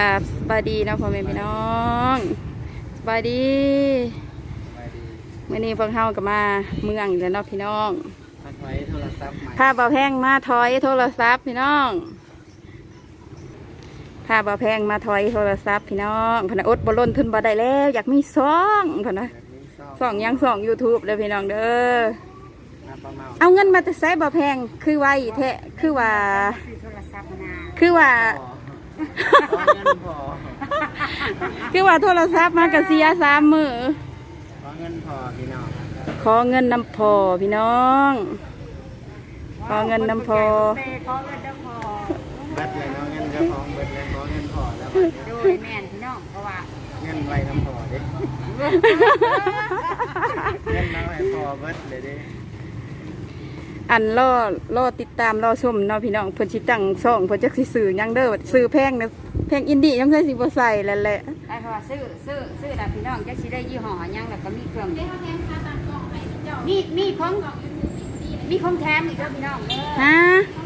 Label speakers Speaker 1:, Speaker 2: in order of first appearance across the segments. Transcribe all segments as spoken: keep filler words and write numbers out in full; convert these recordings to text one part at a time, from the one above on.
Speaker 1: ครับสบายดีนะพ่อแม่พี่น้องสบายดีเมื่อนี้พวกเฮาก็มาเมืองอีกแล้วเนาะพี่น้อง
Speaker 2: มาถอยโทรศัพท์ใหม่
Speaker 1: พาบ่าวแพงมาถอยโทรศัพท์พี่น้องพาบ่าวแพงมาถอยโทรศัพท์พี่น้องพนักอดบ่ล้นทุนบ่ได้แล้วอยากมีซองพนักซองยังซอง ยูทูบ เลยพี่น้องเด้อเอาเงินมาแต่ใช้บ่าวแพงคือไว้แท้คือว่าคือว่าคือว่าโทรศัพท์มากระเสียสามมือ
Speaker 2: ขอเงินพอพี่น้อง
Speaker 1: ขอเงินนำพอพี่น้องขอเงินนำพอ
Speaker 2: ขอเงินนำพอเบิดเลยเนาะเงินเจ้าของเบิดเลยขอเงินพอแล้ว
Speaker 3: โดยแม่นพี่น้องเพราะว่า
Speaker 2: เงินไว้นำพอเด้เงินน้อยพอเบิดเลยเด้
Speaker 1: อันล่อล่อติดตามล่อชมเนาะพี่น้องเพิ่นสิตั้งช่องเพิ่นจักสิซื้อยังเด้อซื้อแพงนะแพงอินดี้ยังเคยสิบ่ใส่แล้วแหละ
Speaker 3: ได้เพราะว่าซื้อซื้อซื้อแล้วพี่น้องจักสิได้ยี่ห้อยังแล้วก็มีเครื่องมีมีของมีของแถมอีกเด้อพี่น้อง
Speaker 1: ฮะ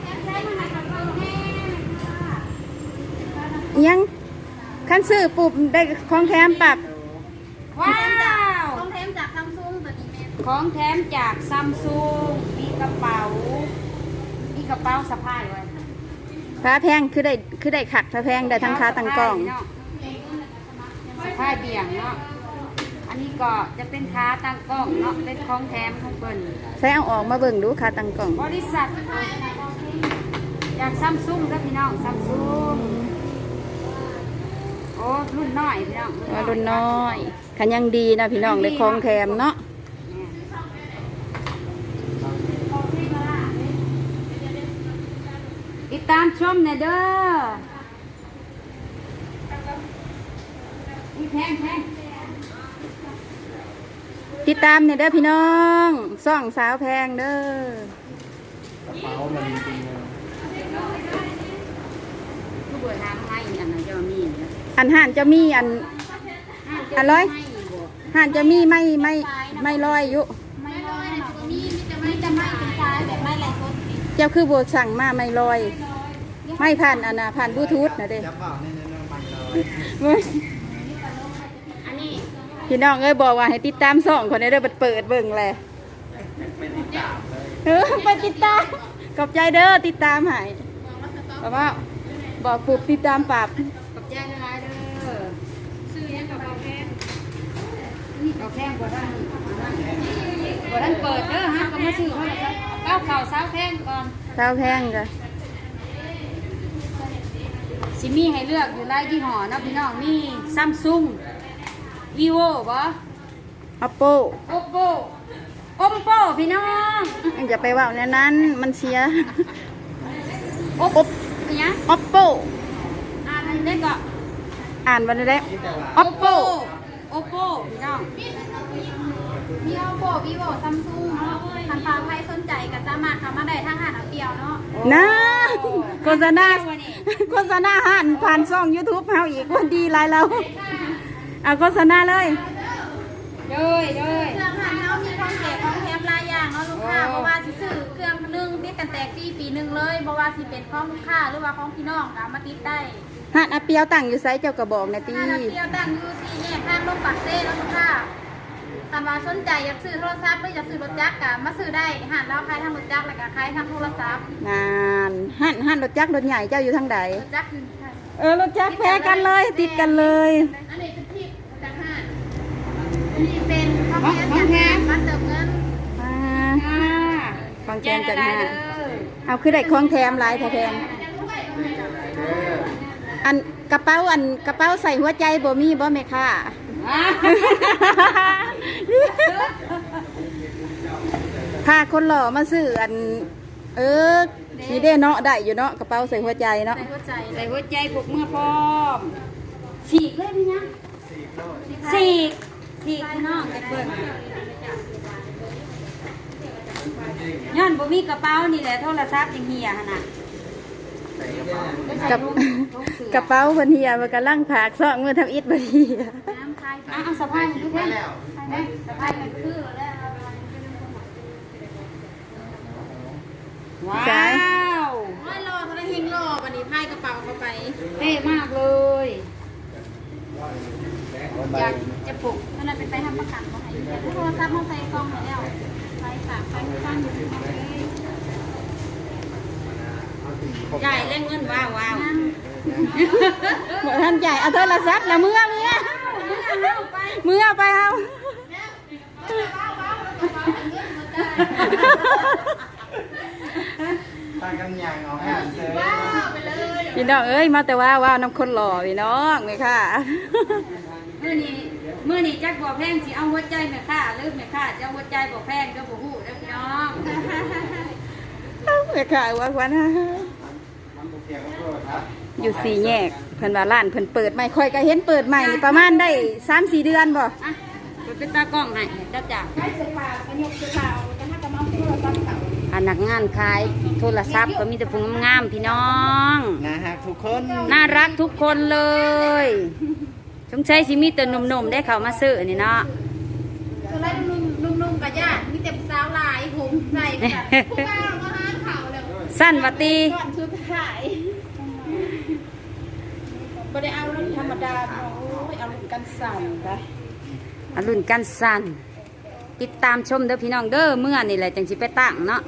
Speaker 1: ยังคันซื้อปุ๊บได้ของแถมปรับ
Speaker 3: ว้าวของแถมจากซัมซุงตัวนี้แม่ของแถมจากซัมซุงมีกระเป๋ามีกระเป๋าสะพายไว้
Speaker 1: พระแพงคือได้คือได้ขัดพระแพงได้ทั้งค้าตั้งกล่อง
Speaker 3: สะพายเบี่ยงเนาะอันนี้ก็จะเป็นค้าตั้งกล้องเนาะเป็นของแถมของเปิ้น
Speaker 1: ใช้เอาออกมาเบิ่งดูค้าตั้งกล่อง
Speaker 3: บริษัทจากซัมซุงครับพี่น้องซัมซุงโอ้รุ่นน้อยพี่น้อง
Speaker 1: รุ่นน้อยขันยังดีนะพี่น้องเลยของแถมเนาะ
Speaker 3: ติดตามชมเนี่ยเด้อแพงแพง
Speaker 1: ติดตามเนี่ยเด้อพี่น้องซ่องสาวแพงเด้
Speaker 2: อกระเป๋ามันจริงเลย
Speaker 3: ผู้บริหารให้อันนั้นจะมี
Speaker 1: อันห่านจะมีอันอันร้อยห่านจะมีไม่ไม่ไม่ลอยอยู่
Speaker 3: ไม่ลอยนะมีมีแต่ไม่จะไม่เป็นชายแบบไม่แหลกคน
Speaker 1: เจ้าคือบัวสั่งมาไม่ลอยไม่ผ่านอันน่ะผ่านบลูทูธนะเด้
Speaker 3: อันนี้
Speaker 1: พี่น้องเอ้ยบอกว่าให้ติดตามส่องคนนี้เด้อเปิดเบิ่งแหละเออไปติดตามขอบใจเด้อติดตามให้เพราะว่าบอกปุ๊บติดตามปรับ
Speaker 3: ขอบใจละลายเด้อซื้อยังกับเราแพงเราแพงกว่าท่านกว่าท่านเปิดเด้อฮะก็มาซื้อเขาเลยครับเก้าเข่าสาวแพงก่อน
Speaker 1: สาวแพงจ้ะ
Speaker 3: ซิมี่ให้เลือกอยู่ไล่ยี่ห้อนะพี่น้องมีซัมซุงวีโวบ่
Speaker 1: อัปโป
Speaker 3: โอโปโอมโปพี่น้อง
Speaker 1: อย่าไปว่าในนั้นมันเสีย
Speaker 3: โอปเนี่ย
Speaker 1: อัปโป
Speaker 3: อ่านได้ก็
Speaker 1: อ่านวันนี้ได้อัปโป
Speaker 3: โอโปพี่น้อง
Speaker 4: มีโอโปวีโวซัมซุงคันฟ้าใครสนใจก็สามารถเข้ามาได้ทางหาดเอาเปียวเนาะ
Speaker 1: นะโฆษณาโฆษณาหันผ่านช่อง ยูทูบ เฮาอีกวันดีหลายเราเอาโฆษณาเลย
Speaker 3: เลยเลย
Speaker 4: เครื่องหันเฮามีของแจกของแถมหลายอย่างเนาะลูกค้าเพราะว่าสิซื้อเครื่องนึงติดกันแตกฟรีปีนึงเลยเพราะว่าสิเป็นของลูกค้าหรือว่าของพี่น้องก็มาติดได้
Speaker 1: หันอาเปียวตั้งอยู่ไซส์เจ้ากระบอกนะตี
Speaker 4: หันอาเปียวตั้งอยู่สี่แยกทางลงปากเซ่แล้วลูกค้าถ้าว่าสนใจอยากซื้อโทรศัพท์หรืออยากซื้อรถจักรก็มาซื้อได้หันเราขายทางรถจักรแล้วก็ขายทางโทรศัพท์
Speaker 1: งานหันหันรถจักรรถใหญ่เจ้าอยู่ทางใด
Speaker 4: รถจักรคือ
Speaker 1: เออรถจักรแพ้กันเลยติดกันเลย
Speaker 4: อันนี้เป็นที่จากห้างอันนี้เป็นข้าวแกงจากห้างมาเติมเงิน
Speaker 1: ของแถมจากห้างเอาคือได้ของแถมหลายแถมอันกระเป๋าอันกระเป๋าใส่หัวใจบ่มีบ่แม่ค่ะพาคนหล่อมาซื้ออันเออนี่เด้เนาะได้อยู่เนาะกระเป๋าใส่หัวใจเนาะ
Speaker 3: ใส่หัวใจใส่หัวใจผูกเมื่อพร้อมฉีกเลยพี่นะฉีกฉีกเนาะไอ้เพื่อนย้อนบ่มีกระเป๋านี่แหละโทรศัพท์ยังเหี่ยขนาด
Speaker 1: กับกระเป๋าเพิ่นเหี่ยมันกำลังผากซอกมือทำอิฐบ่เหี่ย
Speaker 3: อ่ะเอาสะพายดูเพิ่นสะพายมันคือแล้วว้าว
Speaker 4: ว่ารอเขาได้เฮงรอวันนี้พายกระเป๋าเข้าไป
Speaker 3: เท่มากเลยอยากจะปลูก
Speaker 4: ตอนนั้นเป็นไปทำประกันมาให้แต่โทรศัพท์เขาใส่กล้องไปแล้วใส่ตากใส่ฟังอยู่ที่ห้องเลย
Speaker 3: จ่ายเล่นเงินว้าวว้าว
Speaker 1: บ่ท่านใหญ่เอาโทรศัพท์แล้วเมื่อเมื่อเมื่อไปเอา
Speaker 2: ตากันอย่างเอาให้เจอ
Speaker 1: พี่น้องเอ้ยมาแต่ว่าว่าน้ำคนหล่อพี่น้องไหมค่ะ
Speaker 3: มื่อนี้มื่อนี้จักบ่อแพงสิเอาหัวใจแม่ค่าหรือแม่ค่าจะเอาหัวใจบ่อแพงก็บ่ฮู้เด้อพี่น้อง
Speaker 1: ไหมค่ะว่าวันนะ
Speaker 2: มันบุกเกี่ยวกับโทษครับ
Speaker 1: อยู่สี่แยกเพิ่นว่าร้านเพิ่นเปิดใหม่ค่อยก็เห็นเปิดใหม่นี่ประมาณได้สามสี่เดือนบ่
Speaker 3: อ่ะเปิดเป็นตากล้องให้จ้าจ้า
Speaker 4: ได้เสื้อผ้าประยุกต์เสื้อผ้าจะมาจะมาโทรศัพท์เก่า
Speaker 3: พนักงานขายโทรศัพท์ก็มีแต่ผู้งามๆพี่น้อง
Speaker 2: นะฮะทุกคน
Speaker 3: น่ารักทุกคนเลยสงสัยสิมีแต่หนุ่มๆได้เข้ามาซื้อนี่เนาะ
Speaker 4: ส่วนไรนุ่มๆนุ่มๆกับญาติมีแต่สาวหลายผมใส่แบบผู้บ่าวมาหาเขาแล้ว
Speaker 3: สั้นวัตี
Speaker 4: ก่อนสุดท้ายบ่ได้เอารุ่นธรรมดาเนาะโอ้ยเอารุ่นกันสั่นไป
Speaker 3: อรุณกันสั้นติดตามชมเด้อพี่น้องเด้อเมื่อนี่แหละจังสิไปตั้งเนาะ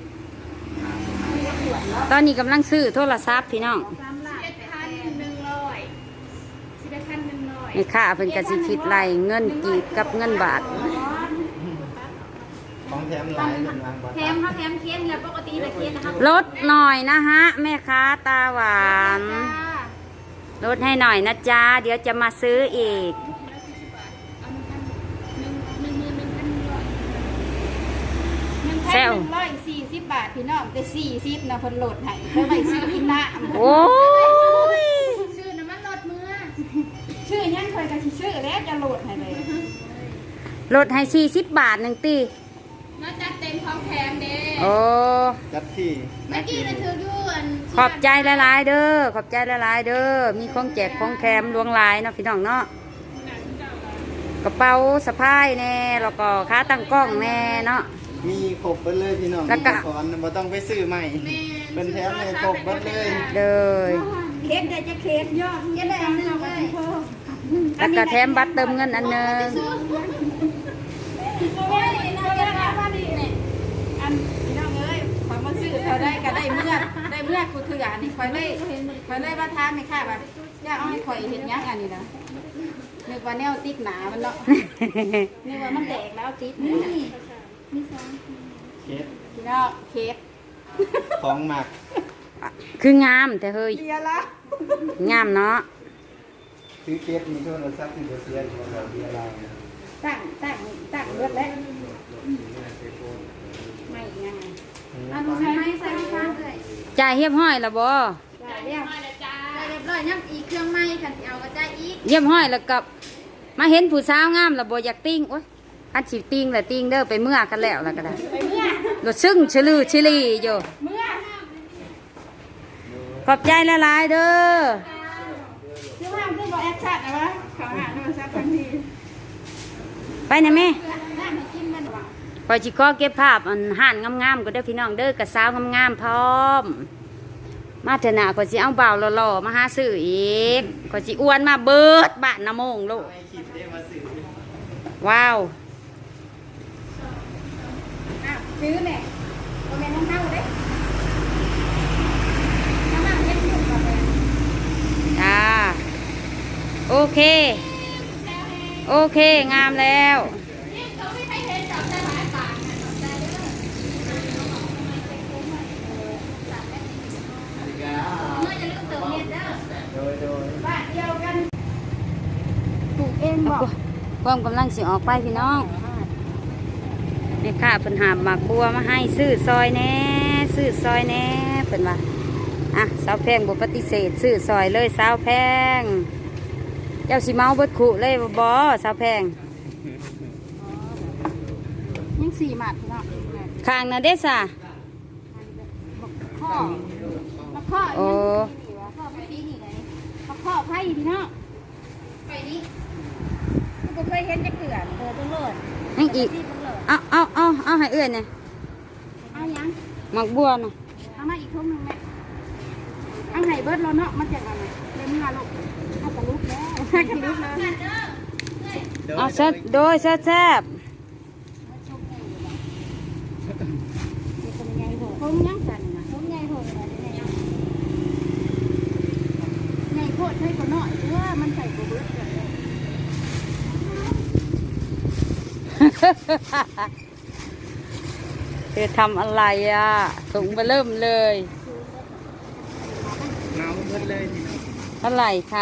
Speaker 3: ตอนนี้กำลังซื้อโทรศัพท์พี่น้อง
Speaker 4: สามล้านสิบเอ็ดพันหนึ่งร้อยสิบเอ็ดพันหนึ่งร้อย
Speaker 3: นี่ค่าเพิ่นก็สิคิดไล่เงินกีบกับเงินบาท
Speaker 2: ของแถมหลายเป็นวางบอล
Speaker 4: แถมเขาแถมเค้นแล้วปกติละเค้นนะคะ
Speaker 3: ลดหน่อยนะฮะแม่ค้าตาหวาน
Speaker 4: จ้า
Speaker 3: ลดให้หน่อยนะจ๊ะเดี๋ยวจะมาซื้ออีก
Speaker 4: หนึ่งหมื่นหนึ่งพันหนึ่งร้อยหนึ่งพัน
Speaker 3: แซ
Speaker 4: ห
Speaker 3: ว
Speaker 4: นึ่งร้อยสี่สิบบาทพี่น้องแต่สี่สิบนะเพิ่นโหลดให้เพิ่นไปซื้อกินน้ำ
Speaker 3: โอ้ย
Speaker 4: ชื่อน้ำมันโหลดมือ
Speaker 1: ชื่อยังเคยกันชื่อแล้วจะโหลดให้เลย
Speaker 3: ลดให้สี่สิบบาทหนึ่งตี
Speaker 4: น่าจะเต็มของแถมเด้
Speaker 3: โอ้
Speaker 2: จัดที่
Speaker 4: เมื่อกี้นะถืออยู่อัน
Speaker 3: ขอบใจหลายๆเด้อขอบใจหลายๆเด้อมีของแจกของแถมลวงลายเนาะพี่น้องเนาะกระเป๋าสะพายแน่แล้วก็ขาตั้งกล้องแน่เนาะ
Speaker 2: มีครบเบิดเลยพี่น้อง
Speaker 3: แล้วก็
Speaker 2: มีขอนบ่ต้องไปซื้อใหม่เป็นแถมในครบเบิดเลย
Speaker 3: เลย
Speaker 1: เค้กได้จะเค้กย่อ
Speaker 4: เย็นได้อันหนึงเลย
Speaker 3: แล้วก็แถมบัตรเติมเงินอันหนึง
Speaker 4: โอ้ยน่าจะมาดีเนี่ย
Speaker 1: อันพี่น้องเอ้ยขอยมาซื้อเขาได้ก็ได้เมื่อได้เมื่อกูถืออันนี้คอยเลยคอยเลยว่าทานไม่ค่าแบบย่าเอาให้คอยเห็นยังอันนี้นะนึกว่าแนวติ๊กหนามันเนาะนึกว่ามันแตกแล้วติ๊กนี่
Speaker 2: เคส
Speaker 1: พี่น้องเค้ก
Speaker 2: ของหมัก
Speaker 3: คืองามแต่เฮ้ย
Speaker 1: เบียร์ละ
Speaker 3: งามเนาะ
Speaker 2: ซื้อเคสมีโทรศัพท์ที่บ่เสียอยู่แล้วเบียร์ลาวเนี่ย
Speaker 1: ตั้งตั้งตั้งเลือดแล้วไม่ยังไง
Speaker 4: อันนี้ให้ใส่ข้างเลย
Speaker 3: จ่ายเรียบห้อยแล้วบ่
Speaker 1: ได้เรียก
Speaker 4: เรียบร้อยยังอีกเครื่องไม้กันสิเอากระจายอีก
Speaker 3: เรียบห้อยแล้วกับมาเห็นผู้สาวงามแล้วบ่อยากติ้งโอ๊ยอันสิติ้งแหละติ้งเด้อไปเมื่อกันแล้วแล้วก็ได้
Speaker 1: ไปเมื่อ
Speaker 3: รถซึ่งชลือชิลีอยู่
Speaker 1: เมื่อ
Speaker 3: ขอบใจหลายๆเด้อ
Speaker 1: ชื่อว่าคือบอกแอคชั่นนะวะขอหาโทรศัพท์ทันที
Speaker 3: ไปนะแม่
Speaker 4: น้ำให้กินมันหวาน
Speaker 3: พอยสิขอเก็บภาพอันห่านงามๆก็ได้อพี่น้องเด้อกับสาวงามๆพร้อม มาเถอะนะก็สิเอาเบาหล่อๆมาหาซื้ออีกก็สิอ้วนมาเบิดบ้านน้ำมงลูก
Speaker 2: ไม่คิดได้มาซื้อ
Speaker 3: ว้าว
Speaker 1: อ้าวซื้อแม่โมเมนต์น้องเน่าเด้
Speaker 4: น้ำมันเย็นอยู่กับเลย
Speaker 3: จ้าโอเค โอเคงามแล้ว
Speaker 4: เมื่อจะลืมเติมเน็ตเด้อ
Speaker 2: โดยโดย
Speaker 1: บ้านเดียวกัน
Speaker 4: ปลูกเองบอก
Speaker 3: ความกำลังสิออกไปพี่น้องนี่ค่ะเพิ่นหาบหมากบัวมาให้ซื้อซอยแหน่ซื้อซอยแหน่เพิ่นว่าอ่ะสาวแพงบ่ปฏิเสธซื้อซอยเลยสาวแพง เจ้าสิเมาเบิดขุเลยบ่บ่สาวแพง
Speaker 1: ยังสี่หมัดพี่น้อง
Speaker 3: ข้างน่ะเด้ซะ
Speaker 1: ข้อมาข้อ
Speaker 3: โอ้
Speaker 4: พ่อไปปีนี่ไง
Speaker 1: มาข้อไพ่พี่น้อง
Speaker 4: ไปนี่
Speaker 1: กูเคยเห็นจะเกลือน
Speaker 4: เออต้องโหลด
Speaker 3: ให้อีก
Speaker 4: ที่ต้องโหลด
Speaker 3: เอาเอาเอาเอาให้เอื้อนเนี่ย
Speaker 1: เอายัง
Speaker 3: หมากบัวน่ะ
Speaker 1: เอามาอีกทุ่มหนึ่งแม่เอาไห้เบิร์ดแล้วเนาะมันจะอะไรเล่นงานลูกเอากระลุกแล้วกระลุกแล้ว
Speaker 4: กันเด้อ
Speaker 3: เอาแซ่บโดยแซ่บแซ่บ
Speaker 4: ผมยังสั่นนะผมใหญ่โหดเลยใหญ่โหดให้ก็น้อยเพราะว่ามันใส่กระเบื้องเลย
Speaker 3: เธอทำอะไรอ่ะถุงมาเริ่มเลย
Speaker 2: หนาวเบิดเลยทีนี้
Speaker 3: เท่าไหร่คะ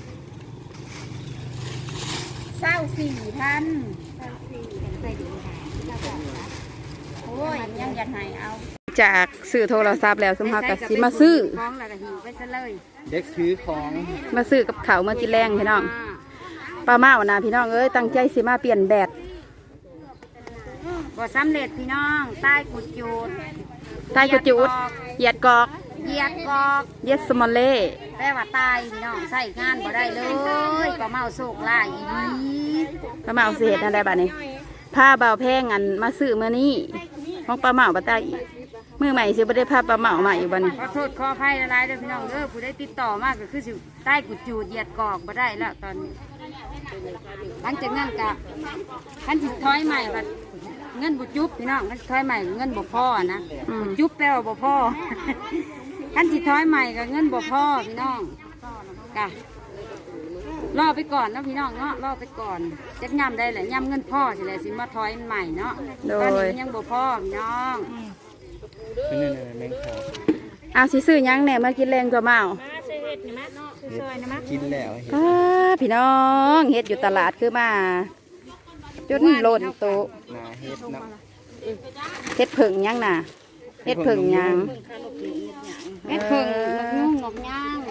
Speaker 4: เศร้าสี่พันเศร้าสี่ใส่ดีโอ้ยยังอยากให้เอา
Speaker 1: จากซื้อโทรศัพท์แล้วสมภากับสิมาซื้อ
Speaker 3: ของแล้วก็หิวไปซะเลย
Speaker 2: เด็กซื้อของ
Speaker 1: มาซื้อกับเขาวมากินแรงพี่น้องป้าเมานะพี่น้องเอ้ยตั้งใจสิมาเปลี่ยนแบต
Speaker 3: บ่สำเร็จพี่น้องใต้กุดจูด
Speaker 1: ใต้กระจุดเหยียดกอก
Speaker 3: เหยียดกอก
Speaker 1: เย็ดสมอลเล่
Speaker 3: แปลว่าตายพี่น้องใส่งานบ่ได้เลยก็เมาโศกลายอีนี้
Speaker 1: ป้าเมาสิเฮ็ดอะไรบ้านี้ผ้าเบาแพงอันมาซื้อเมื่อนี้ของป้าเมาป้าตาอีกมือใหม่สิบ่ได้ผ้าป้าเมาใหม่อยู่บ้านี้
Speaker 3: ขอโทษขออภัยหลายๆเด้อพี่น้องเด้อผู้ได้ติดต่อมากก็คือสิใต้กุดจูดเหยียดกอกบ่ได้แล้วตอนนี้หลังจากนั้นก็คันสิถอยใหม่บัดเงินบ่จุบพี่น้องคันสิถอยใหม่เงินบ่พอนะ
Speaker 1: อืม
Speaker 3: จุบแปลว่าบ่พอ คันสิถอยใหม่ก็เงินบ่พอพี่น้องกะรอไปก่อนเนาะพี่น้องเนาะรอไปก่อนจักย่ำได้แหละย่ำเงินพ่อสิแหละสิมาถอยใหม่เนาะตอนนี้มันยังบ่พอพี่น้อง
Speaker 2: เป็นนั่นน่ะแมงขาว
Speaker 1: เอาสิซื้อหยังแหน่มากินแรงตัวเมา
Speaker 2: กินแล้วเห็น
Speaker 1: ป้าพี่น้องเฮ็ดอยู่ตลาดคือมาจนหล่นโตะ
Speaker 2: หนาเฮ็ดน้ำ
Speaker 1: เฮ็ดผึ่งหยังน่ะเฮ็ดผึ่งหยัง
Speaker 3: เฮ็ดเพิ่งนกยุ่งนกย่าง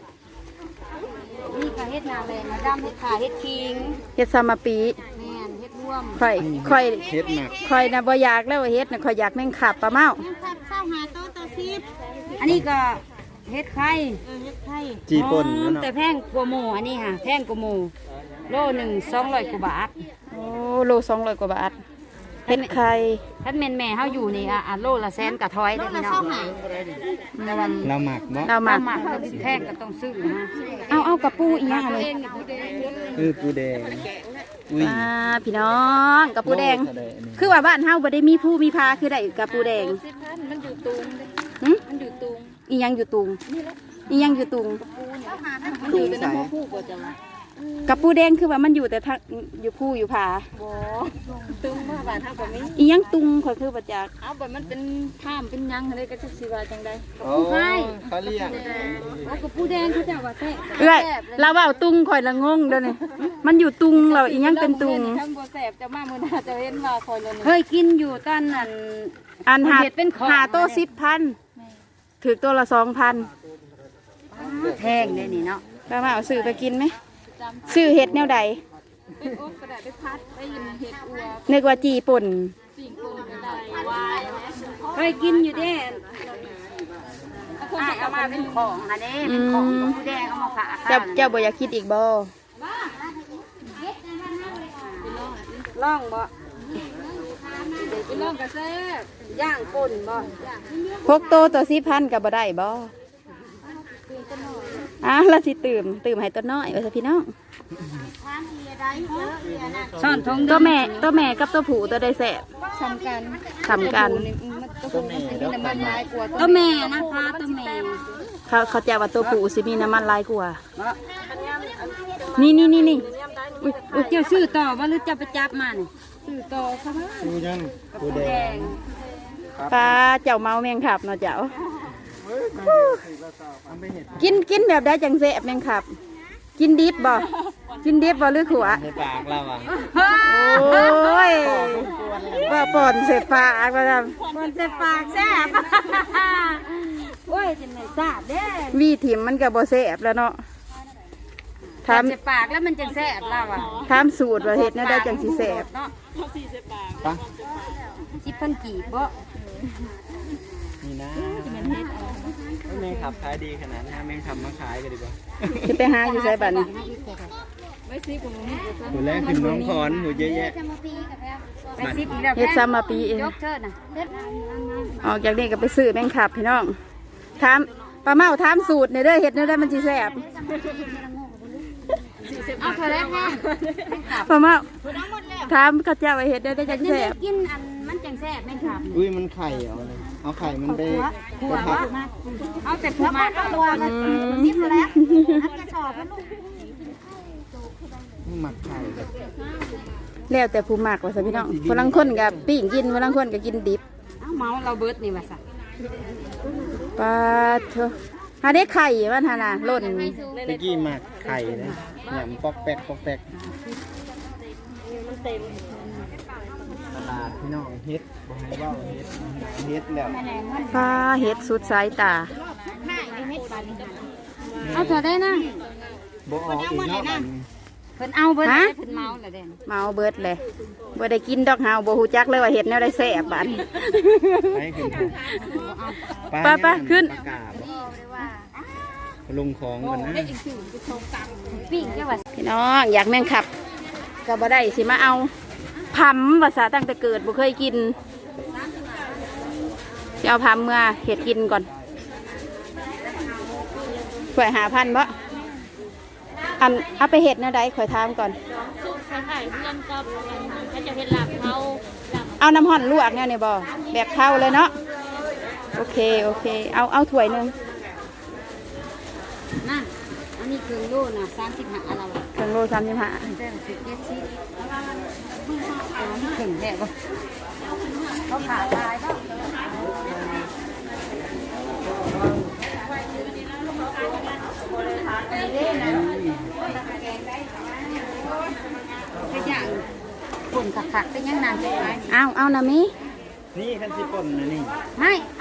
Speaker 3: นี่ก็เฮ็ดนาเลยมาดำเฮ็ดขาเฮ็ดคิง
Speaker 1: เฮ็ดซามาปี
Speaker 3: แม่นเฮ็ดร่วม
Speaker 1: ค่อยค่อย
Speaker 2: เฮ็ดหนัก
Speaker 1: ค่อยนะบ่อยากแล้วว่าเฮ็ดนะค่อยอยากแม่งขับปลาเมา
Speaker 4: ยังขับเข้าหาโต๊ะตัวซิบ
Speaker 3: อันนี้ก็เฮ็ดไข่
Speaker 4: เออเฮ็ดไข่
Speaker 2: จีป่น
Speaker 3: อ๋อ
Speaker 2: นั่นเนาะ
Speaker 3: แต่แพงกว่าหมูอันนี้ค่ะแพงกว่าหมูโลหนึ่งสองร้อยกว่าบาท
Speaker 1: โอ้โลสองร้อยกว่าบาทเฮ็ดไข่
Speaker 3: ถ้าแม่นแม่เฮาอยู่นี่อ่ะอ่ะโลละแสนกะถอย
Speaker 4: โต๊ะ
Speaker 3: เด้อ
Speaker 4: ละ
Speaker 3: พี่น้อ
Speaker 4: เศร้าง หา
Speaker 3: แต่ว่า
Speaker 2: เราหมักบ่
Speaker 1: เรามา
Speaker 3: ถ้าหมักแล้วแพงก็ต้องซื้อนะ
Speaker 1: เอาเอากระปูอีหยัง
Speaker 3: ตัว
Speaker 1: เลย
Speaker 3: เองนี่ผู้เดง
Speaker 2: เออปูแดงอุ้ย
Speaker 1: อ่าพี่น้องกระปูแดง
Speaker 2: โลเท่าใอันนี้
Speaker 1: คือว่าบ้านเฮาบ่ได้มีผู้มีพาคือได้กระปูแดง
Speaker 4: สิบพันมันอยู่ตุง
Speaker 1: หึ
Speaker 4: มันอยู่ตุง
Speaker 1: อีหยังอยู่ตุงอีหยังอยู่ตุง
Speaker 4: เข้าหาทั้ง
Speaker 2: มันอยู่แต่น้ำบ่
Speaker 4: ผู้ก็จะมาก
Speaker 1: ระปูแดงคือว่ามันอยู่แต่ทางอยู่ผู้อยู่ผา
Speaker 4: บ่ตุงมาบ้านเฮาก็มี
Speaker 1: อีหยังตุงข่อยคือบ่จัก
Speaker 4: เอาแบบมันเป็นข้ามเป็นหยังอะไรก็จะสิว่าจังได๋
Speaker 2: โอ้เขาเรียก
Speaker 3: เอากระปูแดงเขาจะว่าแซ่บ
Speaker 1: เอ้ยเราเว้าตุงข่อยละงงเด้อนี่มันอยู่ตุงเราอีหยังเป็นตุง
Speaker 4: ทั้งบ่แซ่บจะมามื้อหน้าจะเห็นว่าคอยเลย
Speaker 3: เคยกินอยู่ตอนนั้น
Speaker 1: อันหา
Speaker 3: เห็ดเป็นของ
Speaker 1: หาโต๊ะสิบพันถือตัวละสองพัน
Speaker 3: แพงเลยนี่เนาะ
Speaker 1: ป้ามาเอาซื้อไปกินไหมซื้อเห็ดแนวใด
Speaker 4: ไปอบก็ได้ไปพัดไปยินเห็ดอัว
Speaker 1: นึกว่าจีป่น
Speaker 4: สิ่งปรุงก็ได้วาย
Speaker 3: เคยกินอยู่เด้อ้ายเอามาเป็นของอันนี้เป็นของกระปูแดงเอามาฝาก
Speaker 1: เจ้าเจ้าบ่อยากคิดอีกบ่
Speaker 3: ล่องบ่
Speaker 4: ไปลองกระแซ่บ
Speaker 3: ย่างป่นบ่
Speaker 1: พกโตวตัวสิบพันกับบ่ได้บ่อ่ะแล้วสิตื่มตื่มให้ตัวน้อยไว้ซะพี่น้อง
Speaker 3: ซ่อนทง
Speaker 1: ตัวแม่ตัวแม่กับตัวผู้ตัวได้แสบ
Speaker 4: สำคัญ
Speaker 1: ทำกัน
Speaker 2: ตัวแม่ดอก
Speaker 4: น้ำมันลายกว่า
Speaker 3: ตัวแม่นะคะตัวแม่
Speaker 1: เขาเขาจะว่าตัวผู้สิมีน้ำมันหลายกว่า นี่นี่นี่นี่
Speaker 3: อุ๊ยอุ๊ยเจ้าซื้อต่อว่าหรือจะไปจับมานี่
Speaker 4: สื่อต่อเขาว่า
Speaker 2: ปูยังปูแดง
Speaker 1: ปลาเจ้าเมาแมงขับเนาะเจ้า
Speaker 2: เอาไปเห็ด
Speaker 1: กินกินแบบได้จังแสบแมงขับ กินดิบบ่กินดิบบ่หรือขัว
Speaker 2: ในปากเราอ่ะ
Speaker 1: โอ้ยว่าป่อนเสพปากมาท
Speaker 3: มันจะปากแซ่บ โอ้ยจะไหนทราบเด้
Speaker 1: ำวีถิ่มมันกับบ่แสบแล้วเนาะถาม
Speaker 3: มันจะปากแล้วมันจะแซ่บแล้วอ่ะ
Speaker 1: ถามสูตรว่าเฮ็ดแนวได้จังสิแสบ
Speaker 3: เนาะ
Speaker 2: ปะ
Speaker 3: สิบพันกีบบ่
Speaker 2: นี่นะแมงขับขายดีขนาดนี้แมงขับมาขายกันดีกว่า
Speaker 1: สิไปหาอยู่ไสบัดนี้
Speaker 4: ไม่ซีกูนี่กูซะ
Speaker 2: หูแรกขึ้นน้องคอนหูเยอะแยะ
Speaker 3: ไปซิปอีกแล้ว
Speaker 1: เฮ็ดซ้ำมาปีเอง
Speaker 3: ยกเชิดน่ะ
Speaker 1: ออกจากนี้ก็ไปซื้อแมงขับพี่น้องถามป้าเมาถามสูตรในเด้อเฮ็ดแนวได้มันสิแสบ
Speaker 4: สี่สิบ
Speaker 3: เอาเธอแล้วแห้ง
Speaker 1: พ่อเมาถามเขาเจ้าว่าเฮ็ดได้ได้จังแซ่บ
Speaker 3: กินอันมันจังแซ่บแม่นครับ
Speaker 2: อุ้ยมันไข่เอาเลยเอาไข่มันไป
Speaker 3: หัว
Speaker 2: ไปผัด
Speaker 3: ว่าเอาแต่ผัวมาเอาตัวมันนิดแล้วอันกระสอบมันลูก
Speaker 2: หมักไข่แบบ
Speaker 1: แล้วแต่ผู้มักว่าซะพี่น้องผู้ลางคนก็ปิ้งกินผู้ลางคนก็กินดิบ
Speaker 3: เอาเมาเราเบิดนี่ว่าซะ
Speaker 1: ปลาเถอะหาได้ไข่มันหาน่ะหล่น
Speaker 2: ตะกี้หมักไข่นะเนี่ยมันปอกแป๊กปอกแป๊กตลาดพี่น้องเฮ็ดบ่ให้เว้าเฮ็ดเฮ็ดแล้ว
Speaker 1: ปลาเห็ดสุดสายตา
Speaker 3: เอาเธอได้นะ
Speaker 2: บ่ออกอีกเนาะบัดนี้
Speaker 3: เพิ่นเอาเบิดเพิ่นเมาแล้วเด่น
Speaker 1: เมาเบิดเลยบ่ได้กินดอกเฮาบ่ฮู้จักเลยว่าเห็ดแนวได้แซ่บบัดนี้
Speaker 2: ไปขึ้น
Speaker 1: ไปไปขึ้น
Speaker 2: ปลากาบลงของกันนะ
Speaker 3: ปิ้งแค่ว่า
Speaker 1: พี่น้องอยากแมงขับก็บ่ได้สิมาเอาพำภาษาตั้งแต่เกิดบ่เคยกินสิเอาพำเมื่อเห็ดกินก่อนข่อยหาพันบ่อันเอาไปเห็ดแนวใดข่อยถามก่อน
Speaker 4: สุกใส่ไข่เพื่อนกับเขาจะเป็นหลับเขาหลับ
Speaker 1: เอาน้ำห่อนลวกเนี่ยนี่บ่แบบเท่าเลยเนาะโอเคโอเคเอาเอาถ้วยหนึง
Speaker 3: นะอันนี้เครื่องโลน่ะสามสิบห้าเรา
Speaker 1: เครื่องโลสามสิบห้า
Speaker 3: เจ้าสิบเจ็ดสิบเอานี่เครื่องแรกบ่เขาขาดลายบ่ก็อย่างคนขักๆก็ยังนานไป
Speaker 1: เอาเอานะมิ
Speaker 2: นี่คันสิป่นนะนี่
Speaker 3: ไม่